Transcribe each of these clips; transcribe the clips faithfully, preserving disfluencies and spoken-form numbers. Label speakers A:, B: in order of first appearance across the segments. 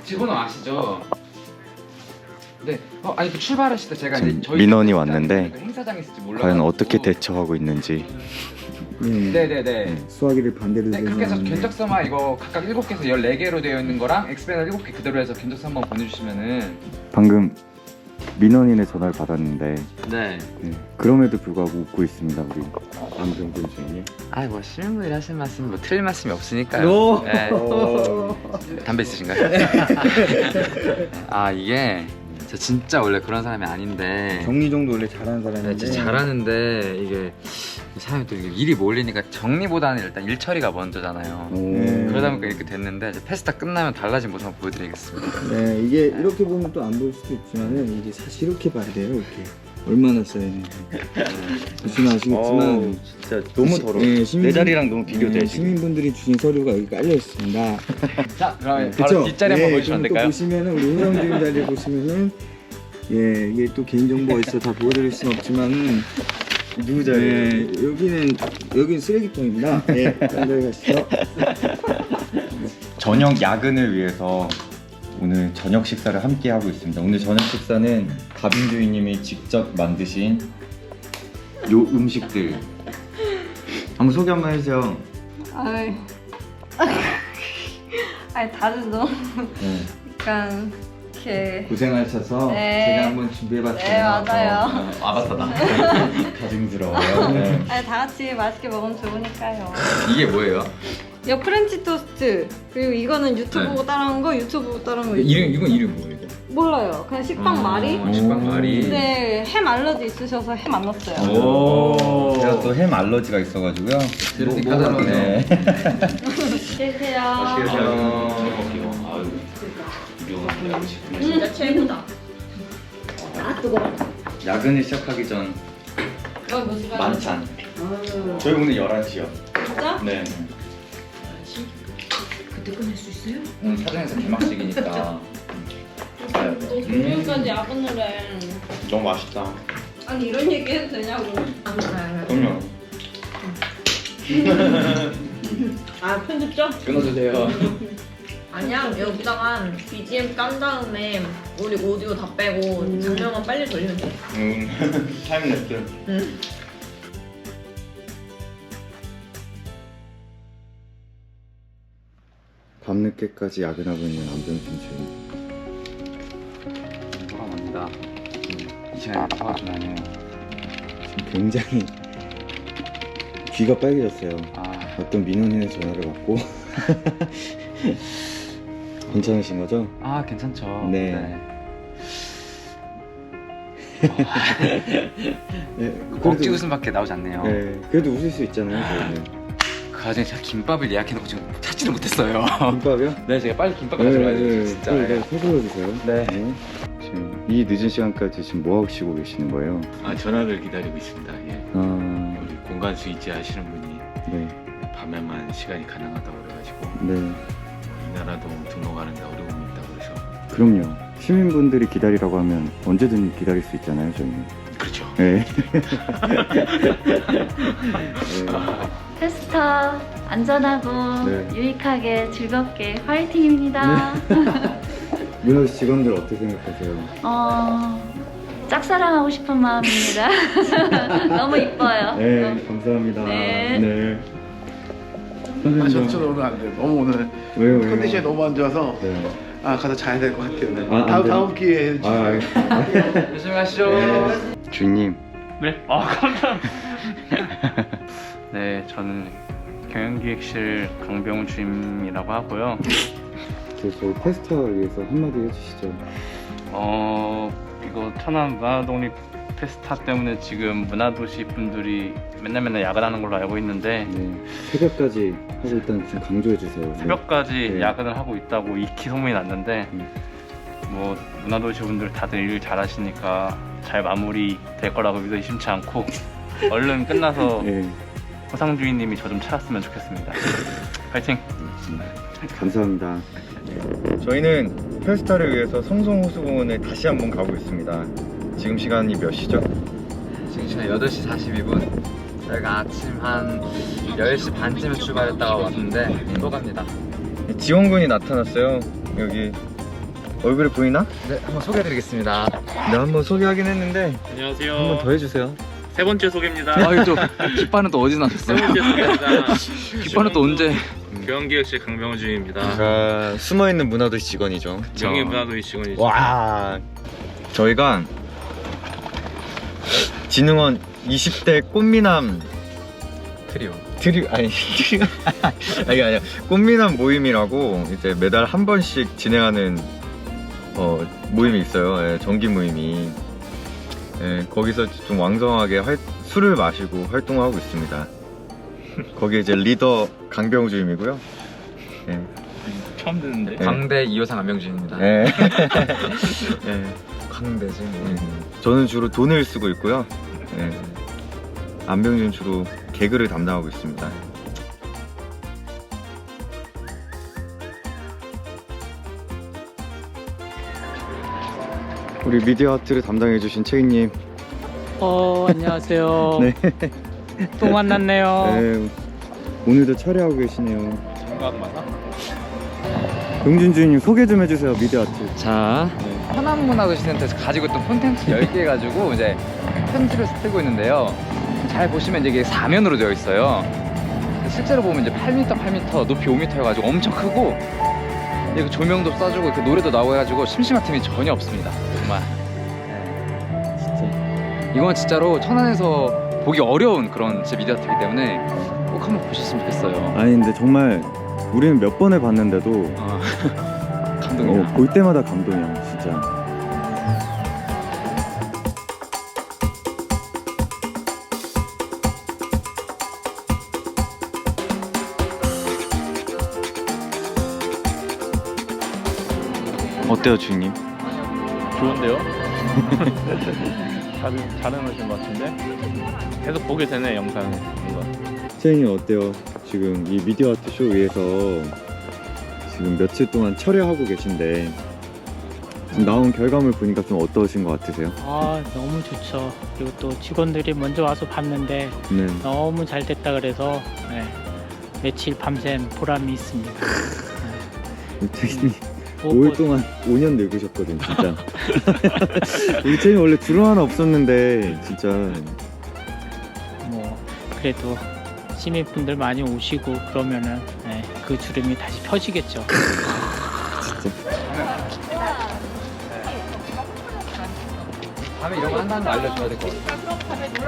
A: 직원은 아시죠? 네. 어, 아니 그 출발하실 때 제가 이제 저희
B: 민원이 왔는데
A: 행사장에 있을지 몰라.
B: 과연 어떻게 대처하고 있는지.
C: 네.
A: 네네네.
C: 수화기를 반대로
A: 네, 그렇게 해서 견적서만 이거 각각 일곱 개에서 열네 개로 되어 있는 거랑 엑스페널 일곱 개 그대로 해서 견적서 한번 보내주시면은.
B: 방금 민원인의 전화를 받았는데
A: 네.
B: 네, 그럼에도 불구하고 웃고 있습니다 우리 안병준 주인님.
A: 아이 뭐 시민분들이 하신 말씀 뭐 틀린 말씀이 없으니까요. 네. 담배 있으신가요? 아 이게 저 진짜 원래 그런 사람이 아닌데
C: 정리정도 원래 잘하는 사람인데
A: 네, 진짜 잘하는데 이게 사람이 또 이게 일이 몰리니까 정리보다는 일단 일 처리가 먼저잖아요.
C: 네.
A: 그러다 보니까 이렇게 됐는데 이제 페스타 끝나면 달라진 모습 한번 보여드리겠습니다.
C: 네, 이게 이렇게 보면 또 안 보일 수도 있지만은 이게 사실 이렇게 봐야 돼요. 이렇게 얼마나 써야 되는지 보시면 아시겠지만
B: 진짜 너무 더러워.
C: 네, 시민분-
B: 내 자리랑 너무 비교돼.
C: 네,
B: 지금.
C: 시민분들이 주신 서류가 여기 깔려 있습니다.
A: 자 그러면
C: 그쵸?
A: 바로 뒷자리 한번
C: 네,
A: 보여주시면 안
C: 그럼 또
A: 될까요?
C: 보시면은 우리 회장님 자리 보시면은 예 이게 또 개인정보가 있어 다 보여드릴 수는 없지만은
B: 누구
C: 네, 여기는 여기는 쓰레기통입니다. 예, 딴데 가시죠.
B: 저녁 야근을 위해서 오늘 저녁 식사를 함께 하고 있습니다. 오늘 저녁 식사는 가빈 주인님이 직접 만드신 요 음식들 한번 소개 한번 해주세요.
D: 아이, 아니 다들 너무
B: 네.
D: 약간 이렇게
C: 고생하셔서
D: 네.
C: 제가 한번 준비해봤어요.
D: 네 맞아요.
B: 아 맞다 나 가증스러워요. 네.
D: 아니 다 같이 맛있게 먹으면 좋으니까요.
A: 이게 뭐예요?
D: 이거 프렌치 토스트 그리고 이거는 유튜브
A: 네.
D: 보고 따라한 거 유튜브 보고 따라한 거
A: 이름 이건 이름 뭐예요? 이거?
D: 몰라요. 그냥 식빵 말이.
A: 어, 식빵 말이.
D: 근데 햄 알러지 있으셔서 햄 안 넣었어요.
A: 오.
B: 제가 또 햄 알러지가 있어가지고요.
A: 이렇게
C: 뭐,
A: 까다로워서.
B: 네.
D: 계세요. 진짜 최고다. 아 뜨거워.
B: 야근을 시작하기 전
D: 여기 몇 시간?
B: 만찬. 저희 오늘 열한 시요.
D: 진짜?
B: 네.
D: 그때 끝낼 수 있어요?
A: 오늘 사전에서 개막식이니까.
D: 너 금요일까지 야근을 해.
B: 너무 맛있다.
D: 아니 이런 얘기 해도 되냐고.
B: 그럼요.
E: 아 편집점?
A: 끊어주세요.
E: 아니야 여기다가 비지엠 깐 다음에 우리 오디오 다 빼고 장면만 빨리 돌리면 돼.
B: 음. 타임랩스.
E: 응.
B: 밤늦게까지 야근하고 있는 안병준 주인.
A: 돌아갑니다. 이 시간에 도와주면 안 해요.
C: 지금 굉장히 귀가 빨개졌어요.
A: 아,
C: 어떤 민원인의 전화를 받고 괜찮으신 거죠?
A: 아 괜찮죠.
C: 네. 네,
A: 억지 웃음밖에 나오지 않네요.
C: 네, 그래도 웃을 수 있잖아요. 저희는.
A: 그 와중에 제가 김밥을 예약해놓고 지금 찾지를 못했어요.
C: 김밥이요?
A: 네, 제가 빨리 김밥 가져가야 돼요, 진짜.
C: 네, 네, 서둘러 주세요.
A: 네.
B: 지금 이 늦은 시간까지 지금 뭐 하시고 계시는 거예요?
F: 아 전화를 기다리고 있습니다. 예.
B: 아,
F: 우리 공간 스위치 하시는 분이
B: 네,
F: 밤에만 시간이 가능하다고 그래가지고
B: 네,
F: 이 나라도 등록하는데 어려움이 있다고 그래서
B: 그럼요. 시민분들이 기다리라고 하면 언제든 기다릴 수 있잖아요, 저희는.
F: 그렇죠.
B: 네.
G: 페스타 안전하고
B: 네.
G: 유익하게 즐겁게 화이팅입니다.
B: 문화 직원들 어떻게 생각하세요?
G: 어, 짝사랑하고 싶은 마음입니다. 너무 이뻐요.
B: 네, 감사합니다.
G: 네.
B: 네.
H: 아,
B: 선생님,
H: 저, 저 오늘 안 돼요. 너무 오늘
B: 왜요, 왜요?
H: 컨디션이 너무 안 좋아서
B: 네.
H: 아 가서 자야 될 것 같아요. 네.
B: 아, 안
H: 다음
B: 돼요?
H: 다음 기회에
B: 아, 알겠습니다.
A: 조심히 가시죠.
B: 주인님.
I: 네? 아 감사합니다. 네, 저는 경영기획실 강병훈 주임이라고 하고요.
B: 저, 저희 페스타를 위해서 한마디 해주시죠.
I: 어 이거 천안 문화독립 페스타 때문에 지금 문화도시 분들이 맨날 맨날 야근하는 걸로 알고 있는데
B: 네. 새벽까지 하고 일단 좀 강조해주세요.
I: 새벽까지
B: 네.
I: 야근을 하고 있다고 익히 소문이 났는데
B: 음.
I: 뭐 문화도시 분들 다들 일 잘하시니까 잘 마무리 될 거라고 믿어 의심치 않고 얼른 끝나서
B: 네.
I: 호상 주인님이 저 좀 찾았으면 좋겠습니다. 파이팅!
B: 감사합니다. 저희는 페스타를 위해서 성송호수공원에 다시 한번 가고 있습니다. 지금 시간이 몇 시죠?
A: 지금 시간 여덟 시 사십이 분. 저희가 아침 한 열 시 반쯤에 출발했다가 왔는데 또 갑니다.
B: 지원군이 나타났어요. 여기 얼굴이 보이나?
A: 네, 한번 소개해드리겠습니다.
B: 네, 한번 소개하긴 했는데
I: 안녕하세요.
B: 한 번 더 해주세요.
I: 세 번째 소개입니다.
A: 아, 이거 또 깃발은 또 어디서
I: 세
A: 나셨어요?
I: 번째 소개입니다.
A: 깃발은 또 언제?
I: 교환기획실 강병주입니다.
B: 아, 숨어있는 문화도시 직원이죠.
I: 명예 문화도시 직원이죠.
B: 와, 저희가 진흥원 이십 대 꽃미남
A: 트리오.
B: 트리 아니 트리 아니 아니 꽃미남 모임이라고 이제 매달 한 번씩 진행하는 어 모임이 있어요. 예, 정기 모임이. 예, 거기서 좀 왕성하게 활, 술을 마시고 활동하고 있습니다. 거기 이제 리더 강병우 주임이고요. 예.
I: 처음 듣는데.
B: 네.
A: 광대 이호상 안명준입니다.
B: 예. 예.
A: 광대지 뭐.
B: 음, 저는 주로 돈을 쓰고 있고요. 예. 안병준 주로 개그를 담당하고 있습니다. 우리 미디어 아트를 담당해주신 채희님.
J: 어 안녕하세요.
B: 네.
J: 또 만났네요.
B: 네. 오늘도 촬영하고 계시네요.
I: 생각 많아?
B: 병준 주인님 소개 좀 해주세요. 미디어 아트.
A: 자,
B: 네.
A: 천안문화도시센터에서 가지고 있던 콘텐츠 열 개 가지고 이제 편지를 쓰고 있는데요. 잘 보시면 이제 이게 사면으로 되어 있어요. 실제로 보면 이제 팔 미터, 팔 미터, 높이 오 미터여가지고 엄청 크고, 이거 조명도 쏴주고 그 노래도 나오고 해가지고 심심한 틈이 전혀 없습니다. 정말. 네.
B: 진짜.
A: 이건 진짜로 천안에서 보기 어려운 그런 진짜 미디어 아트이기 때문에 꼭 한번 보셨으면 좋겠어요.
B: 아니 근데 정말 우리는 몇 번을 봤는데도
A: 어, 감동이야.
B: 어, 볼 때마다 감동이야 진짜. 어때요 주인님?
I: 좋은데요? 잘, 잘 해놓으신 것 같은데? 계속 보게 되네, 영상을. 뭔가.
B: 채인님 어때요? 지금 이 미디어 아트 쇼 위에서 지금 며칠 동안 촬영하고 계신데 지금 나온 결과물 보니까 좀 어떠신 것 같으세요?
J: 아 너무 좋죠. 그리고 또 직원들이 먼저 와서 봤는데
B: 네.
J: 너무 잘 됐다 그래서 네, 며칠 밤샘 보람이 있습니다.
B: 채인님
J: 뭐,
B: 오 일
J: 뭐,
B: 동안 오 년 늙으셨거든 진짜. 우리 채인 원래 주름 하나 없었는데 진짜.
J: 뭐 그래도 시민분들 많이 오시고 그러면은 네, 그 주름이 다시 펴지겠죠.
A: 다음에 이런 거 한다는 거 알려줘야 될 것 같아요.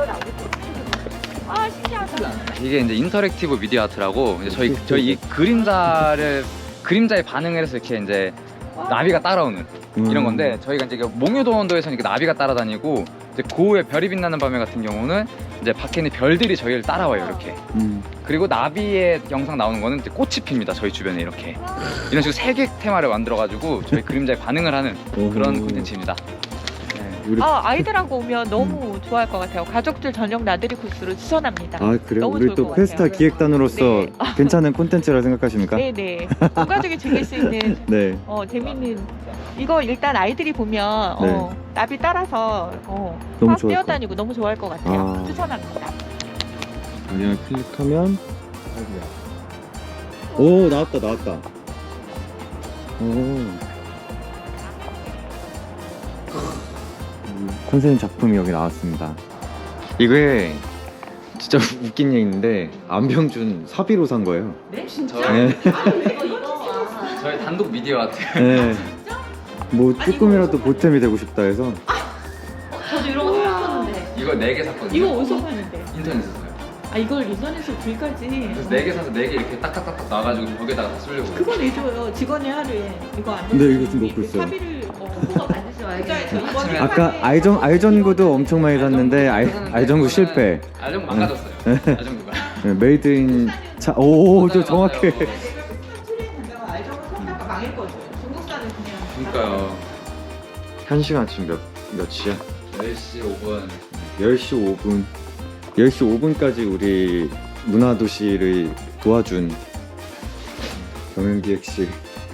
A: 이게 이제 인터랙티브 미디어 아트라고 이제 저희 저희 이 그림자를 그림자에 반응을 해서 이렇게 이제 나비가 따라오는 이런 건데, 저희가 이제 몽유도원도에서는 이렇게 나비가 따라다니고, 이제 고우의 별이 빛나는 밤에 같은 경우는 이제 밖에 있는 별들이 저희를 따라와요 이렇게.
B: 음.
A: 그리고 나비의 영상 나오는 거는 이제 꽃이 핍니다 저희 주변에 이렇게. 이런 식으로 세 개 테마를 만들어가지고 저희 그림자에 반응을 하는 그런 콘텐츠입니다.
B: 우리
E: 아, 아이들하고 오면 너무 좋아할 것 같아요. 가족들 저녁 나들이 코스로 추천합니다.
B: 아 그래요?
E: 너무
B: 우리
E: 좋을
B: 또
E: 것
B: 페스타
E: 같아요.
B: 기획단으로서
E: 네.
B: 괜찮은 콘텐츠라 생각하십니까?
E: 네네. 온 가족이 즐길 수 있는
B: 네.
E: 어, 재밌는 이거 일단 아이들이 보면 어, 나비 따라서 어,
B: 너무
E: 막
B: 좋아할
E: 뛰어다니고 너무 좋아할 것 같아요.
B: 아.
E: 추천합니다.
B: 그냥 클릭하면 오 나왔다 나왔다. 오. 선생님 작품이 여기 나왔습니다. 이게 진짜 웃긴 얘기인데 안병준 사비로 산 거예요.
E: 네? 진짜?
B: 네.
A: 저희 단독 미디어 아트.
B: 네. 뭐 조금이라도 보탬이 되고 싶다 해서.
D: 저도 이런 거 샀었는데.
A: 이거 네 개 샀거든요.
E: 이거 어디서 사는데?
A: 인터넷에서 사요.
E: 아 이걸 인터넷에서 불까지.
A: 그래서 네 개 사서 네 개 이렇게 딱딱딱딱 나가지고 벽에다가 다 쓰려고.
E: 그거 내줘요. 직원이 하루에 이거 안
B: 네, 이거 지금 먹고 있어요.
E: 사비를 어, 그거 만드지 말겠어요. 이번에
B: 아까 알전 알전구도 엄청 많이 샀는데 알 알전구 실패.
A: 알전구 망가졌어요. 알전구가.
B: 네, 메이드 인 차. 오, 저 정확해.
E: 알정을 샀다가 망했거든. 중국산은 그냥.
A: 그러니까요.
B: 한 시간 지금 몇 몇 시야?
A: 열 시 오 분.
B: 열 시 오 분. 열 시 오 분까지 우리 문화도시를 도와준 경영기획실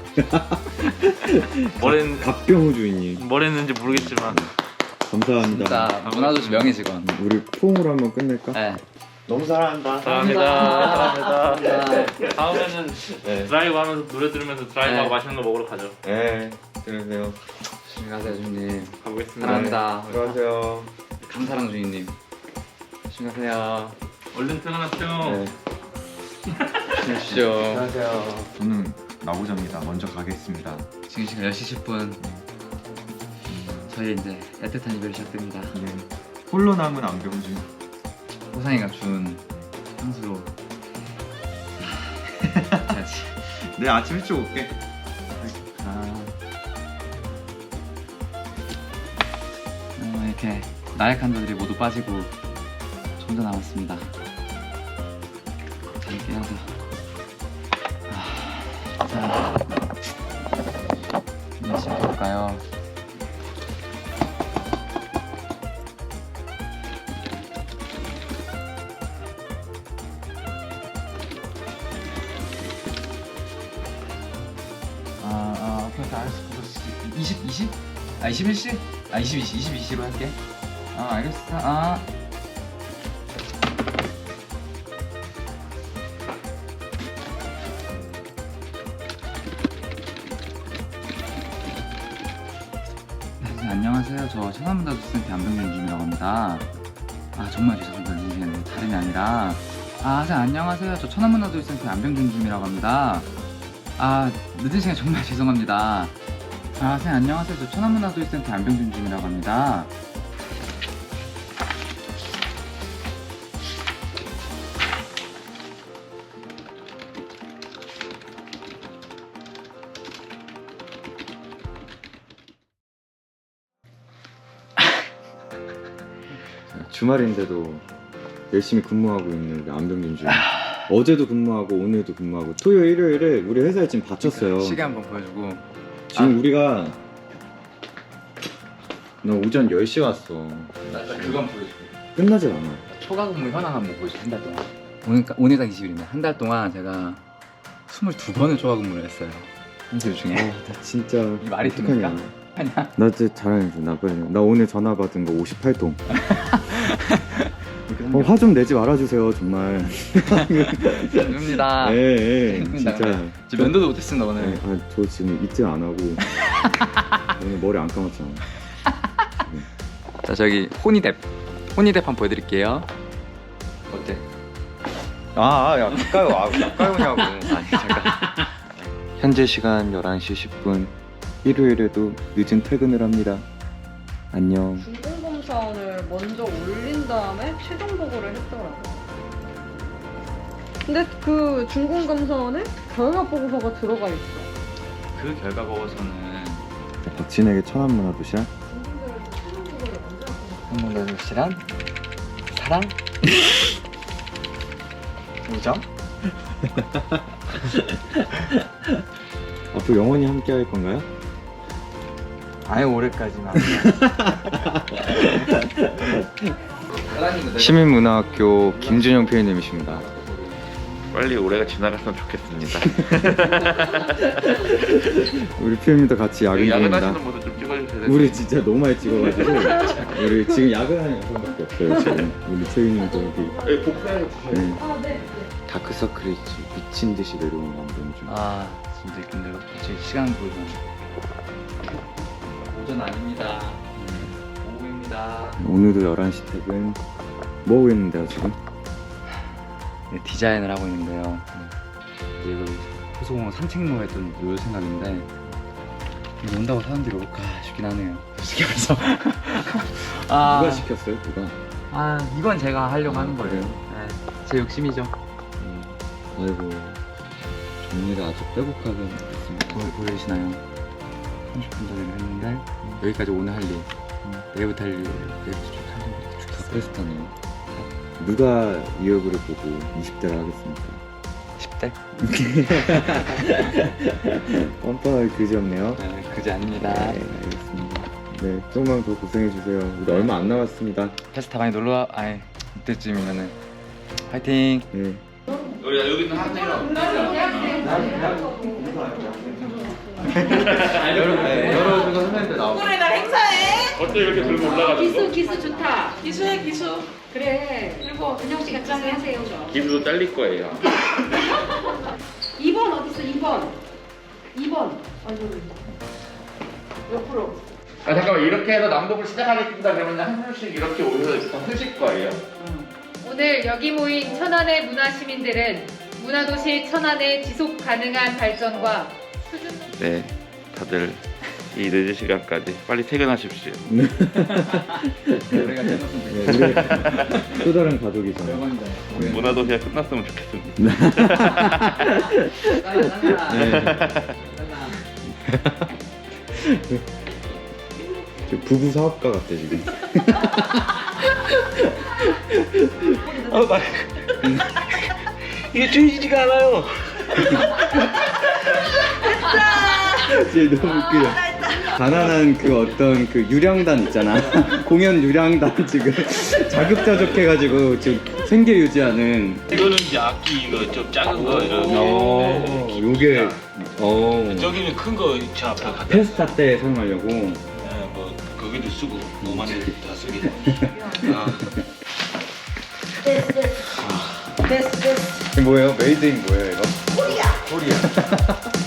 I: 뭘,
B: 갑병우 주인님
I: 뭘 했는지 모르겠지만
B: 감사합니다.
A: 진짜 문화도시 명예 직원.
B: 우리 포옹으로 한번 끝낼까?
A: 네.
B: 너무 사랑한다.
I: 사랑합니다. 사랑합니다. 다음에는
B: 네.
I: 드라이브 하면서 노래 들으면서 드라이브하고
A: 네.
I: 맛있는 거 먹으러 가죠.
B: 네, 들으세요.
A: 조심히 가세요 주인님.
I: 가보겠습니다.
A: 사랑합니다.
B: 들어가세요.
A: 강사랑 주인님. 조심히 가세요.
I: 얼른 퇴근하세요.
B: 네.
A: 조심히 하십시오.
B: 안녕하세요. 저는 나오자입니다. 먼저 가겠습니다.
A: 지금 시간 열 시 십 분. 저희 이제 애틋한 이별이 시작됩니다.
B: 네. 홀로 남은 안병준.
A: 호상이가 준 향수로 해야지.
B: 내 아침 일찍 올게.
A: 아. 어, 이렇게 나약한 자들이 모두 빠지고 저 혼자 남았습니다. 잘 깨어서. 아, 자, 이제 시작해볼까요? 아, 아, 오케이, 오케이, 알았어. 그거 이십, 이십? 아, 이십일 시? 아, 이십이 시, 이십이 시로 할게. 아, 알겠어. 아. 네, 안녕하세요. 저 천안문화도센터 안병준 주임이라고 합니다. 아, 정말 죄송합니다. 이게 다름이 아니라. 아, 선생님 안녕하세요. 저 천안문화도센터 안병준 주임이라고 합니다. 아, 늦은 시간에 정말 죄송합니다. 아, 선생님 안녕하세요. 저 천안문화도센터 안병준 주임이라고 합니다.
B: 주말인데도 열심히 근무하고 있는 우리 안병준 주임. 어제도 근무하고 오늘도 근무하고 토요일 일요일에 우리 회사에 지금 바쳤어요.
A: 시계 한번 보여주고.
B: 지금
A: 아.
B: 우리가 너 오전 열 시 왔어.
A: 나 그건 보여줄게.
B: 끝나질 않아.
A: 초과 근무 현황 한번 보여줄게. 한 달 동안. 오늘 오늘 딱 이십 일인데 한 달 동안 제가 스물두 번을 초과 근무를 했어요. 일주일 중에.
B: 어, 나 진짜
A: 이 말이
B: 어떡하냐.
A: 됩니까? 아니야.
B: 나 진짜 자랑해줘. 나 빨리. 나 오늘 전화 받은 거 오십팔 통. 어, 화 좀 내지 말아주세요 정말.
A: 죄송합니다.
B: 예, 예,
A: 죄송합니다.
B: 진짜.
A: 지금 면도도 못했습니다 오늘.
B: 네, 아, 저 지금 이틀 안 하고 오늘 머리 안 감았잖아.
A: 자 저기 호니뎁 호니뎁 한번 보여드릴게요. 어때?
B: 아, 야 가까이 와. 가까이 오냐고.
A: 아니 잠깐.
B: 현재 시간 열한 시 십 분. 일요일에도 늦은 퇴근을 합니다. 안녕.
E: 중공검사원을 먼저 올린 다음에 최종 보고를 했더라고요. 근데 그 중공검사원에 결과 보고서가 들어가 있어.
A: 그 결과 보고서는
B: 박진에게 천안문화도시야?
A: 한문도 실한 사랑 우정.
B: 앞으로 영원히 함께 할 건가요?
A: 아예 올해까지만.
B: 시민문화학교 김준영 피디님이십니다.
F: 빨리 올해가 지나갔으면 좋겠습니다.
B: 우리 피디님도 같이 야근 중입니다.
F: 야근하시는 분들 좀 찍어주셔야 돼요.
B: 우리 진짜 너무 많이 찍어가지고 우리 지금 야근하는 영상밖에 없어요. 지금 우리 채윤님도 여기
F: 네, 복사해서 주셔야 돼요.
B: 네.
E: 아, 네.
B: 다크서클이 미친 듯이 내려오는 감정 중.
A: 아 진짜 힘들어. 제 시간 보면 오전 아닙니다. 오후입니다.
B: 오늘도 열한 시 퇴근. 뭐 하고 있는데요 지금?
A: 네, 디자인을 하고 있는데요. 이제 그 호수공원 산책로 했던 요 생각인데 이거 온다고 사람들이 올까 싶긴 하네요. 솔직히 말해서. 아,
B: 누가 시켰어요? 누가?
A: 아 이건 제가 하려고 하는 거예요. 네, 제 욕심이죠.
B: 아이고 정리가 아주 빼곡하게 됐습니다.
A: 보, 보이시나요? 삼십 분 전에 했는데 여기까지 오늘 할 일, 내일부터 할 일, 내일부터 쭉 할 일, 쭉 했어요.
B: 베스트네요. 누가 이 얼굴을 보고 이십 대를 하겠습니까?
A: 십 대?
B: 뻔뻔하게 그지없네요.
A: 네, 그지 아닙니다.
B: 네, 알겠습니다. 네, 조금만 더 고생해주세요. 우리 얼마 안 남았습니다.
A: 페스타 많이 놀러와. 아이 이때쯤이면은 화이팅.
B: 네.
F: 우리 여기 있는 학생이랑
A: 여러분, 네, 여러분 선생님들 나오고.
E: 날 행사해.
I: 어때 이렇게 들고 올라가는
D: 기수 기수 좋다. 기수해 기수. 그래. 그리고 은영 씨가 기수 하세요.
I: 기부도 잘릴 거예요.
D: 이 번 어디 있어? 이 번. 이 번. 아이고. 옆으로.
I: 아 잠깐만 이렇게 해서 낭독을 시작하겠습니다. 그러면 한 줄씩 이렇게 오셔서 다 쓰실 거예요.
K: 오늘 여기 모인 천안의 문화 시민들은 문화도시 천안의 지속 가능한 발전과 수준
I: 네, 다들 이 늦은 시간까지 빨리 퇴근하십시오.
A: 우리가
B: 네, 우리 또 다른 가족이잖아.
I: 문화도시가 끝났으면 좋겠습니다.
B: 저 부부 사업가 같아 지금.
I: 아, 나 이게 주의지가 않아요.
B: 진짜 너무 웃겨. 가난한 그 어떤 그 유령단 있잖아. 공연 유령단 지금 자급자족해가지고 지금 생계 유지하는.
F: 이거는 이제 악기 이거 좀 작은 거 이런.
B: 어, 요게 어
F: 저기는 큰 거 저 앞에 갖다.
B: 페스타 때 사용하려고.
F: 네, 뭐 거기도 쓰고 오만 원 다 쓰게. 아.
B: 이게 뭐예요? 메이드 인 뭐예요 이거? 코리아. 코리아.